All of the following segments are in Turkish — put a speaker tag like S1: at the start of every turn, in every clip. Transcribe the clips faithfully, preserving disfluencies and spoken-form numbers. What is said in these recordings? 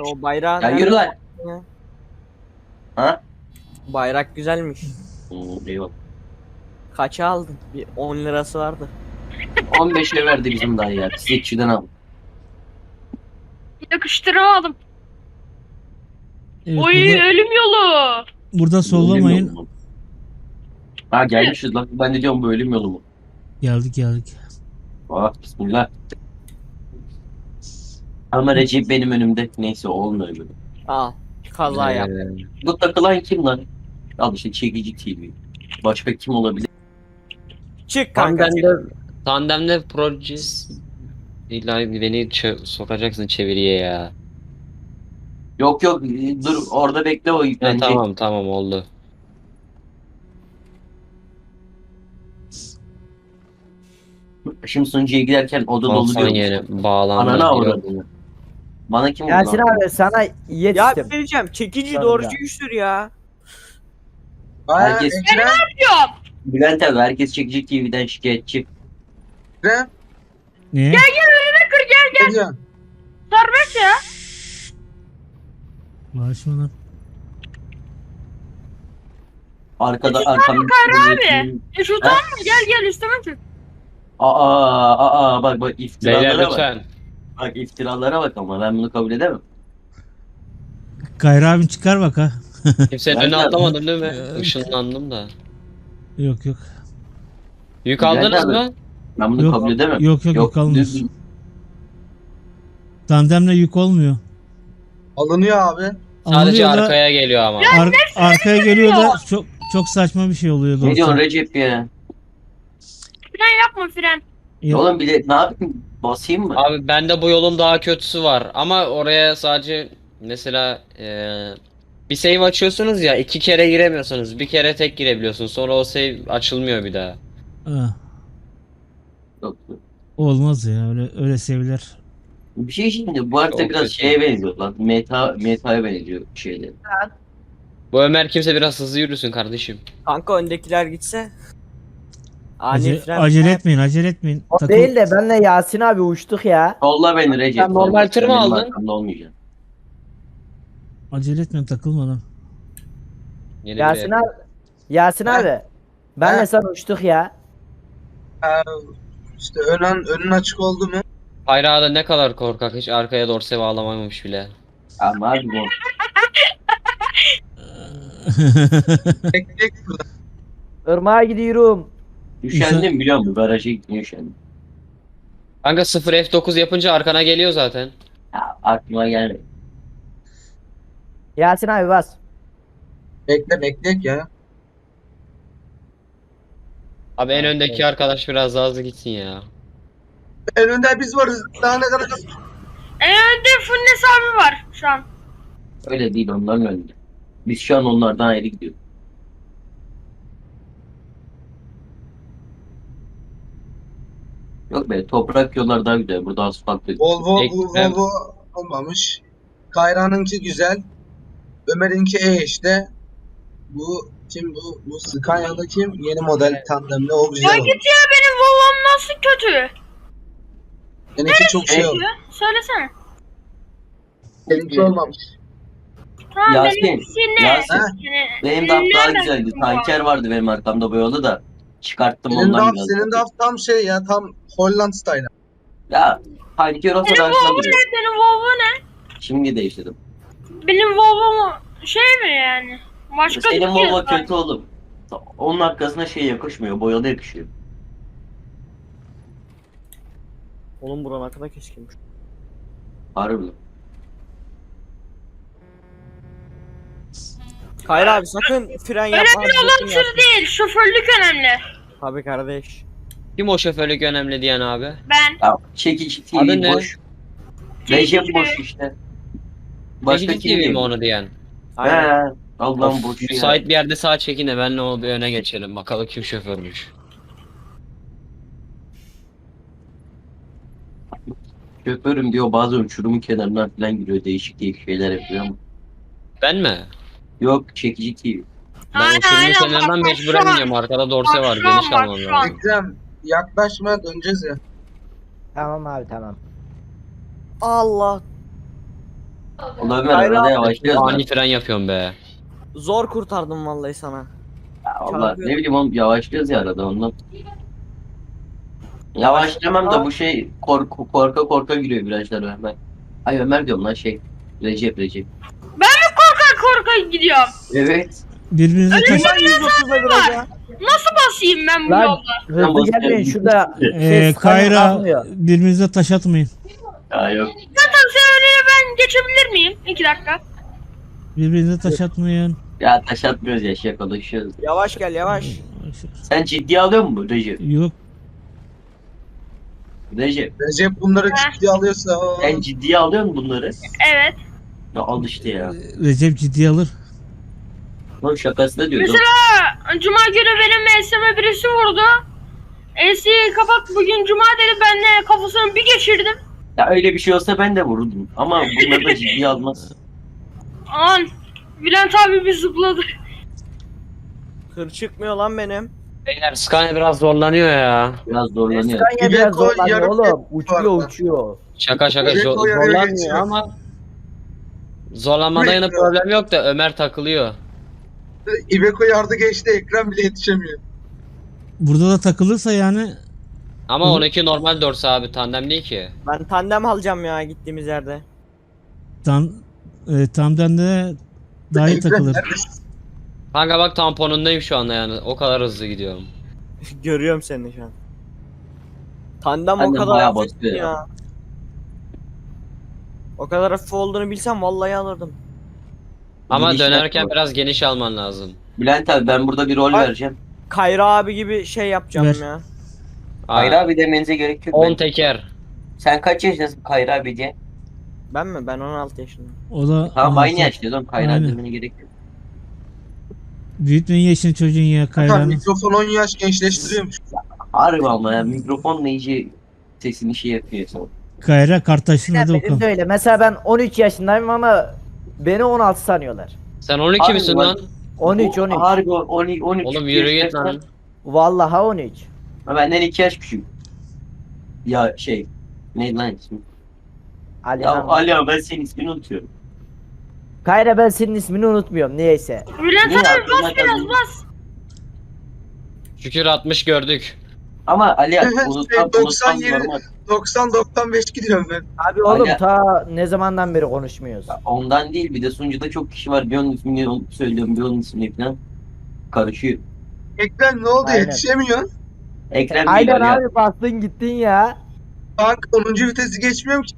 S1: o bayrağı
S2: Ya
S1: nerede
S2: yürü lan.
S1: ya?
S2: Ha?
S1: Bayrak güzelmiş.
S2: Hmm, eyvallah.
S1: Kaça aldın? Bir on lirası vardı.
S2: on beşe verdi bizim dayı ya. Çiçekçiden al.
S3: Yakıştıramadım.
S4: Evet,
S3: Oy
S4: burada,
S3: ölüm yolu.
S4: burada
S2: Ölüm
S4: sollamayın.
S2: yolu mu? Ha gelmişiz lan. Ben de diyorum bu ölüm yolu mu?
S4: Geldik geldik.
S2: Ah bismillah. Ama Recep benim önümde. Neyse olmuyor böyle.
S1: Al. Kaza yap.
S2: Ee, Bu takılan kim lan? Al işte çekici T V. Başka kim olabilir?
S1: Çık kanka. çık.
S5: Tandemde, tandemde Procis illa beni çö- sokacaksın çeviriye ya.
S2: Yok yok dur orada bekle o
S5: Ha,
S2: yüklenecek.
S5: tamam tamam oldu.
S2: Şimdi sunucuya giderken oda dolu
S5: Alsan
S2: diyormuş.
S5: yeni bağlandı.
S2: Anana
S5: Yok.
S2: avradını. Bana kim vurdu
S6: Yasin
S2: lan?
S6: abi sana yet
S1: Ya bir
S6: istem.
S1: şey diyeceğim. Çekici
S6: Tabii
S1: doğrucu
S6: ya.
S1: güçtür ya.
S2: Herkes,
S3: Diyorum.
S2: Bülent abi herkes çekici T V'den şikayetçi.
S7: Ne?
S4: Niye?
S3: Gel önüme kır gel.
S7: Ne diyorsun?
S3: Serbest ya.
S4: Bağışma lan.
S2: Arkada
S3: Üstü
S2: arkamda.
S3: abi. E şu tamam mı? Gel gel üstüme çık.
S2: Aa aa bak bak
S5: Beyler
S2: iftiralara bak.
S5: lütfen.
S2: Bak iftiralara bak ama ben bunu kabul edemem.
S4: Gayrı abin çıkar bak ha.
S5: Kimsenin
S2: Ben
S5: önüne
S2: de-
S5: atlamadım değil mi?
S4: Ee,
S5: Işınlandım da.
S4: Yok yok.
S5: Yük
S2: Ben
S5: aldınız
S2: de-
S5: mı?
S2: Ben bunu
S4: Yok,
S2: kabul edemem.
S4: Yok yok yük almıyor.
S2: düz-
S4: Tandemle yük olmuyor.
S7: Alınıyor abi.
S5: Sadece
S4: Alınıyor da
S5: arkaya geliyor ama.
S4: ar- arkaya geliyor da çok çok saçma bir şey oluyor
S2: Ne
S4: doğrusu.
S2: diyorsun Recep ya?
S3: Fren yapma fren.
S4: Yok,
S2: Oğlum bile ne yapayım? Basayım mı?
S5: Abi bende bu yolun daha kötüsü var. Ama oraya sadece mesela eee, bir save açıyorsunuz ya iki kere giremiyorsunuz. Bir kere tek girebiliyorsunuz. Sonra o save açılmıyor bir daha.
S4: ha,
S2: Yok.
S4: olmaz ya öyle öyle seviler.
S2: Bir şey şimdi bu harita
S5: Çok
S2: biraz
S5: kötü.
S2: şeye benziyor lan. Meta, meta'ya benziyor şeyler.
S5: Bu Ömer kimse biraz hızlı yürüsün kardeşim.
S1: Kanka öndekiler gitse. Ani
S4: Ace-
S1: fren.
S4: acele etmeyin acele etmeyin.
S6: O
S4: Takıl-
S6: değil de benle Yasin abi uçtuk ya.
S2: Solla beni Recep.
S5: Sen normal
S2: solla.
S5: tır mı
S2: Benim
S5: aldın?
S2: arkamda olmayacaksın.
S4: Acele etmeyin takılmadan.
S5: Yeni
S6: Yasin
S5: bir-
S6: abi. Yasin
S7: Ha?
S6: abi. Benle
S7: Ha?
S6: sen uçtuk ya.
S7: Ha, işte önün, önün açık oldu mu?
S5: Hayra da ne kadar korkak, hiç arkaya dorse bağlamamış bile.
S2: Ama abi bu.
S7: Bekleyek burada.
S6: Irmağa gidiyorum.
S2: Üşendim biliyor musun? Garaja gitmeye üşendim.
S5: Kanka sıfır F dokuz yapınca arkana geliyor zaten.
S2: Ya, aklıma gelmedi.
S6: Yasin abi bas.
S7: Bekle bekleyek ya.
S5: Abi en öndeki arkadaş biraz daha hızlı gitsin ya.
S7: En önde biz varız. Daha ne kadar...
S3: En önde Funnes abi var şu an.
S2: Öyle değil onların önünde. Biz şu an onlardan ayrı gidiyoruz. Yok be toprak yollar daha güzel. Burada asfalt yok.
S7: Volvo, bu
S5: Ekrem.
S7: Volvo olmamış. Kayra'nınki güzel. Ömer'inki E işte. Bu kim bu? Bu Scania'da kim? Yeni model tandemli o güzel
S3: Ya
S7: olmuş.
S3: git ya benim Volvo'm nasıl kötü?
S7: Seninki çok şey olmuş.
S3: Ya, söylesene.
S7: Seninki olmamış.
S3: Tamam
S2: Yasin,
S3: benimkisi ne?
S2: Yasin.
S3: Yani,
S2: Benim DAF daha
S3: nereden
S2: güzeldi.
S3: çıktı bu?
S2: Tanker vardı benim arkamda bu yolu da. Çıkarttım
S7: Senin
S2: ondan
S7: DAF,
S2: biraz.
S7: senin DAF tam şey ya tam Holland style.
S2: Ya tanker olsa
S3: Benim
S2: daha güzel
S3: Volvo
S2: duruyor.
S3: ne? Benim Volvo ne?
S2: Şimdi değiştirdim.
S3: Benim Volvo'm şey mi yani? Başka
S2: Senin
S3: bir şey
S2: Volvo
S3: yok.
S2: kötü oğlum. Onun arkasına şey yakışmıyor. Boyalı yakışıyor.
S1: Oğlum buranın kadar keskinmiş.
S2: Harbi.
S1: Hayır abi sakın fren yapma.
S3: Önemli olan
S1: sakın
S3: tır
S1: yapma.
S3: değil, şoförlük önemli.
S1: Tabii kardeş.
S5: Kim o şoförlük önemli diyen abi?
S3: Ben.
S2: Ya çekici T
S5: Adı
S2: V
S5: ne?
S2: boş.
S3: Çekici
S2: Recep boş işte. Başka
S5: Çekici
S2: kim
S5: T V mi
S2: diyeyim?
S5: onu diyen?
S1: Aynen.
S2: He. Allah'ım
S5: Of,
S2: boş ya.
S5: müsait bir yerde sağa çekin de benle o bir öne geçelim. Bakalım kim şoförmüş.
S2: Şoförüm diyor bazen uçurumun kenarından falan giriyor. Değişik değişik şeyler yapıyor ama.
S5: Ben mi?
S2: Yok çekici T V.
S5: Ben
S3: Aynen,
S5: uçurumun
S3: aynen.
S5: kenarından
S3: Bak,
S5: mecburen
S3: şu an-
S5: iniyorum. Arkada dorse
S3: bak,
S5: var.
S3: şu an,
S5: Geniş
S3: bak,
S5: almam
S3: şu an.
S5: lazım.
S7: Ekrem yaklaşma döneceğiz ya.
S6: Tamam abi tamam.
S1: Allah.
S2: Ulan Ömer
S1: Hayır
S2: arada
S1: abi.
S2: yavaşlıyoruz lan.
S5: Ani fren yapıyorum be.
S1: Zor kurtardım vallahi sana.
S2: Ya Allah
S1: Çarpıyor.
S2: ne bileyim oğlum yavaşlıyoruz ya arada ondan. Yavaşlamam da bu şey korku korka korka giriyor virajlara Ömer. Ay Ömer diyorum lan şey. Recep Recep.
S3: Korka korka gidiyorum.
S2: Evet.
S4: Birbirinize taş...
S1: Ben yüz otuza viraja.
S3: Nasıl basayım ben bu
S6: Lan
S3: yolda?
S6: hızlı
S2: basıyorum.
S6: gelmeyin şurada.
S4: Ee,
S6: Ses
S4: Kayra
S6: kalmıyor.
S4: birbirinize taş atmayın.
S2: Ya yok.
S3: Zaten sen önüne ben geçebilir miyim? İki dakika.
S4: Birbirinize taş atmayın.
S2: Ya taş atmıyoruz ya şakalaşıyoruz.
S1: Yavaş gel yavaş.
S2: Sen ciddiye alıyor musun Recep?
S4: Yok.
S2: Recep.
S7: Recep bunları ciddiye alıyorsa o.
S2: Sen ciddiye alıyor musun bunları?
S3: Evet.
S2: Ya al işte ya.
S4: Recep ciddiye alır.
S2: Lan şakasına diyoruz. oğlum.
S3: Mesela Cuma günü benim M'sime birisi vurdu. M'si kapat bugün Cuma dedi, ben de kafasını bir geçirdim.
S2: Ya öyle bir şey olsa ben de vururdum. Ama bunları da ciddiye almaz.
S3: An Bülent abi bir zıpladı.
S1: Hır çıkmıyor lan benim.
S5: Beyler Scania biraz zorlanıyor ya.
S2: Biraz zorlanıyor.
S6: Scania biraz
S7: Iveco
S6: zorlanıyor
S7: yarım
S6: oğlum.
S7: var
S6: Uçuyor
S7: lan.
S6: uçuyor.
S5: Şaka şaka
S7: Direkt
S5: zor-
S7: o yarıya
S5: zorlanmıyor
S7: geçiyor.
S5: ama zorlanmada yana
S7: Direkt-
S5: problem yok da Ömer takılıyor.
S7: Iveco yardı geçti, ekran bile yetişemiyor.
S4: Burada da takılırsa yani
S5: Ama
S4: Hı.
S5: onunki normal dorsa abi, tandem değil ki.
S1: Ben tandem alacağım ya gittiğimiz yerde.
S4: tam e, tamden de daha iyi
S7: Ekran
S4: takılır.
S7: neredesin?
S5: Kanka bak tamponundayım şu anda yani, o kadar hızlı gidiyorum.
S1: Görüyorum seni şu an. Tandem o
S2: Tandem
S1: kadar
S2: bayağı
S1: hafif
S2: basıyor ya.
S1: ya. O kadar hafif olduğunu bilsem vallahi alırdım.
S5: Ama
S2: Geniş
S5: dönerken
S2: yapma.
S5: biraz geniş alman lazım.
S2: Bülent abi ben burada bir rol
S1: Ay.
S2: vereceğim.
S1: Kayra abi gibi şey yapacağım
S4: Ver.
S1: ya.
S2: Kayra abi demenize gerek yok.
S5: on
S2: Ben-
S5: teker.
S2: Sen kaç yaşındasın Kayra abi diye?
S1: Ben mi? Ben on altı yaşındayım.
S4: O da
S2: Tamam aynı
S4: anlatır.
S2: yaştayız oğlum. Kayra
S4: Aynen.
S2: demene gerek yok.
S4: Büyütmeyin yaşını çocuğun ya
S7: Hakan
S4: Kayra'nın.
S7: mikrofon on yaş gençleştiriyormuş.
S2: Harbi ama ya mikrofonla iyice sesini şey yapıyor.
S4: Kayra Kartaş'ın adı
S6: Benim
S4: Okan.
S6: de öyle. Mesela ben on üç yaşındayım ama beni on altı sanıyorlar.
S5: Sen on iki
S2: Harbi
S5: misin
S2: bak-
S5: lan?
S6: on üç on üç.
S2: Harbi on üç. on üç
S5: Oğlum yürü git
S2: yaşındaysan-
S5: lan.
S6: Vallahi on üç.
S2: Ha, benden iki yaş küçük. Ya şey. Ne lan ismi? Ya
S6: Alihan.
S2: Ali abi ben senin ismini unutuyorum.
S6: Kayra ben senin ismini unutmuyorum niyeyse.
S3: Bülent
S2: Niye
S3: abi
S2: aklına
S3: bas biraz
S2: geldi?
S3: bas.
S5: Şükür altmış gördük.
S2: Ama Ali abi
S7: Şey,
S2: unutsam
S7: doksan
S2: unutsam
S7: yedi.
S2: normal.
S7: doksan doksan beş gidiyorum ben.
S6: Abi oğlum
S2: Ali-
S6: ta ne zamandan beri konuşmuyoruz.
S2: Ondan değil bir de sunucuda çok kişi var. Bir onun ismini onu söylüyorum bir onun ismini falan. Karışıyor.
S7: Ekran ne oldu,
S6: Aynen.
S7: yetişemiyorsun?
S2: Ekrem değil
S6: Aynen
S2: Ali abi.
S6: abi bastın gittin ya.
S7: Bak onuncu vitesi geçmiyorum ki.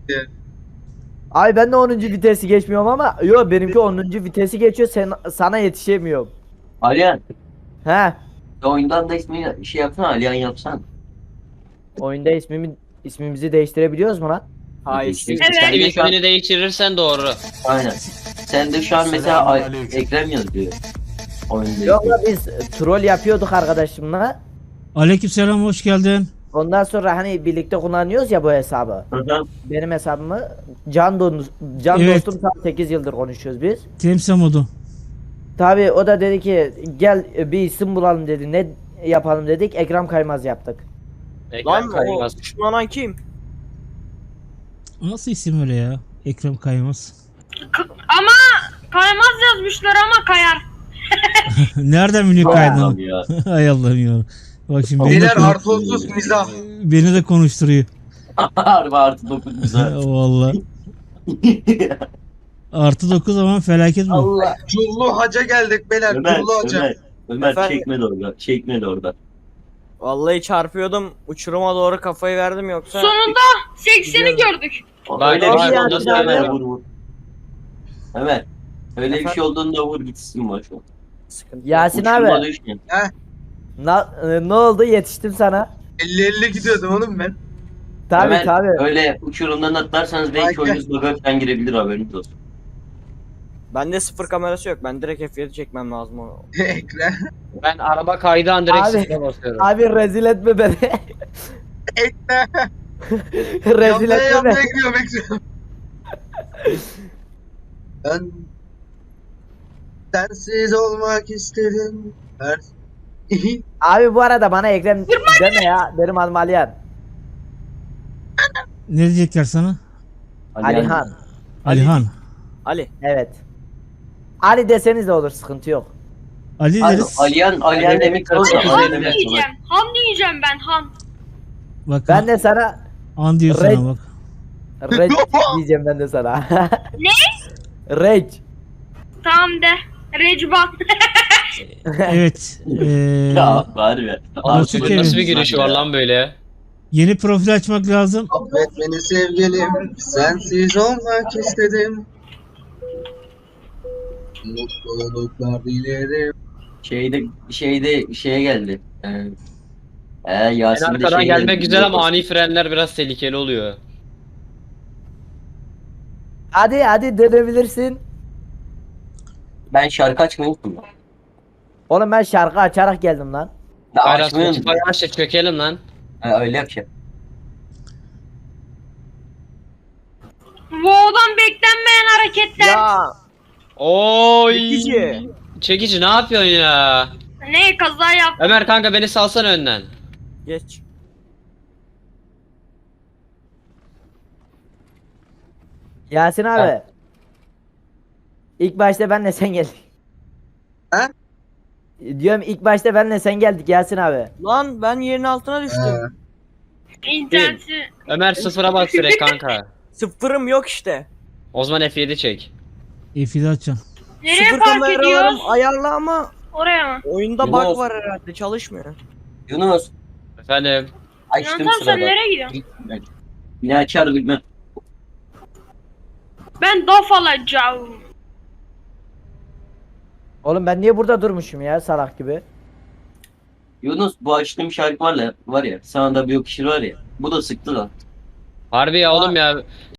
S6: Ay ben de onuncu vitesi geçmiyorum ama yo benimki onuncu vitesi geçiyor sen sana yetişemiyorum.
S2: Alihan.
S6: He.
S2: Oyundan da ismini şey yapsana Alihan yapsan.
S6: Oyunda ismimi ismimizi değiştirebiliyoruz mu lan?
S1: Hayır.
S2: İşte
S3: Evet.
S2: sen de şu an,
S5: İsmini değiştirirsen doğru.
S2: aynen. Sen de şu an mesela Ay- Ekrem yazıyor. Oyunda
S6: Yok la biz troll yapıyorduk arkadaşımla.
S4: Aleykümselam hoş geldin.
S6: Ondan sonra hani birlikte kullanıyoruz ya bu hesabı.
S2: Hı hı.
S6: Benim hesabımı can, don, can
S4: Evet.
S6: dostum tam sekiz yıldır konuşuyoruz biz.
S4: Temsil modu.
S6: Tabi o da dedi ki gel bir isim bulalım dedi. Ne yapalım dedik. Ekrem Kaymaz yaptık.
S1: Lan
S5: Ekran
S1: o
S5: kaymaz.
S1: düşmanan kim?
S4: Nasıl isim öyle ya? Ekrem Kaymaz.
S3: K- ama kaymaz yazmışlar ama kayar.
S4: Nereden biliyor
S2: Allah'ım
S4: kaydını?
S2: ya.
S4: Hay Allah'ım ya. Bak şimdi beni de,
S7: Beyler
S4: kon-
S7: artı otuz mizah.
S4: beni de konuşturuyor.
S2: Harbi artı dokuz güzel.
S4: Vallahi. Artı dokuz zaman felaket bu.
S6: Allah.
S7: Cullu haca geldik beyler.
S2: Ömer,
S7: Cullu haca.
S2: Ömer, Ömer
S1: Efendim?
S2: çekme de orada. Çekme de orada.
S1: Vallahi çarpıyordum. Uçuruma doğru kafayı verdim yoksa.
S3: Sonunda sekseni
S1: Gidiyorum.
S3: gördük.
S5: Bak,
S2: Öyle
S5: bak,
S2: bir şey
S6: bak,
S2: olduğunda
S6: bak,
S2: Ömer
S6: bak.
S2: vur vur. Ömer. Öyle bir
S1: Efendim?
S2: şey olduğunda vur gitsin boş ver.
S1: Sıkıntı yok.
S6: Yasin
S2: Uçurma
S6: abi
S2: düşme.
S6: na- e, ne oldu yetiştim sana.
S7: elli elli gidiyordum oğlum ben.
S6: Tabi
S2: Ömer,
S6: tabi.
S2: Öyle uçurumdan atlarsanız belki
S7: Aynen.
S2: oyunuz bug'a falan girebilir haberiniz olsun.
S1: Bende sıfır kamerası yok. Ben direkt F yedi çekmem lazım onu.
S7: Ekran.
S5: Ben araba kaydığı an direkt
S6: Abi.
S5: sıfıra basıyorum.
S6: Abi rezil etme beni.
S7: Ekran.
S6: rezil
S7: Yanmaya
S6: etme
S7: yanmaya
S6: beni.
S7: gidiyorum ekran. Ben sensiz olmak istedim. Her...
S6: Abi bu arada bana Ekrem deme ya. Benim adım Alihan.
S4: Ne diyecekler sana?
S6: Alihan.
S4: Alihan.
S1: Ali.
S6: Evet. Ali deseniz de olur, sıkıntı yok.
S4: Ali
S2: Abi,
S4: deriz.
S2: Aliyan, Aliyan demek
S5: Hadi,
S2: olsa
S5: hadi,
S3: Han
S2: Aliyan demek
S3: diyeceğim. Han diyeceğim ben Han.
S4: Bak
S6: Ben de sana
S4: an diyor
S6: Red.
S4: sana bak.
S6: Red diyeceğim ben de sana.
S3: Ne?
S6: Red.
S3: Tamam de. Recban.
S4: Evet. Ee,
S2: Ya var be.
S4: Nasıl
S5: Bu
S4: ki?
S5: nasıl bir giriş var lan böyle?
S4: yeni profil açmak lazım.
S7: Affet beni sevgilim, sensiz olmak istedim. Mutluluklar dilerim.
S2: Şeyde şeyde şeye geldi. Ee, ee,
S5: En
S2: Yasin de
S5: arkadan
S2: şey
S5: gelmek
S2: geldi.
S5: güzel ama ani frenler biraz tehlikeli oluyor.
S6: Hadi hadi dönebilirsin.
S2: Ben şarkı açmayı unuttum.
S6: Oğlum ben şarkı açarak geldim lan.
S2: Ben
S5: Hayır
S2: açmayı unuttum.
S5: Spotify aç da çökelim lan.
S2: Ha, öyle yapacağım.
S3: Vo'dan beklenmeyen hareketler.
S1: Ya.
S5: Oy.
S1: Çekici.
S5: Çekici ne yapıyorsun ya?
S3: Ne kaza yap.
S5: Ömer kanka beni salsana önden.
S1: Geç.
S6: Yasin abi.
S2: Ha.
S6: İlk başta benle sen geldik.
S7: Ha?
S6: Diyorum ilk başta benle sen geldik Yasin abi.
S1: Lan ben yerin altına düştüm.
S7: Ee,
S3: İnterneti.
S5: Ömer sıfıra bas direkt kanka.
S1: Sıfırım yok işte.
S5: O zaman F yedi çek.
S4: F yedi açacağım.
S3: Nereye
S1: Sıfır
S3: park
S1: kameralarım
S3: ediyoruz?
S1: ayarlı ama
S3: Oraya mı?
S1: oyunda
S2: Yunus.
S1: bug var herhalde çalışmıyor.
S2: Yunus
S5: Efendim.
S2: açtım
S3: Yöntem sen
S2: sırada.
S3: nereye gidiyorsun?
S2: Yine açar bilmem.
S3: Ben daf alacağım.
S6: Oğlum ben niye burada durmuşum ya salak gibi?
S2: Yunus bu açtığım şarkı var ya, var ya sana da bir yakışır var ya. Bu da sıktı lan.
S5: Harbi ya oğlum ya.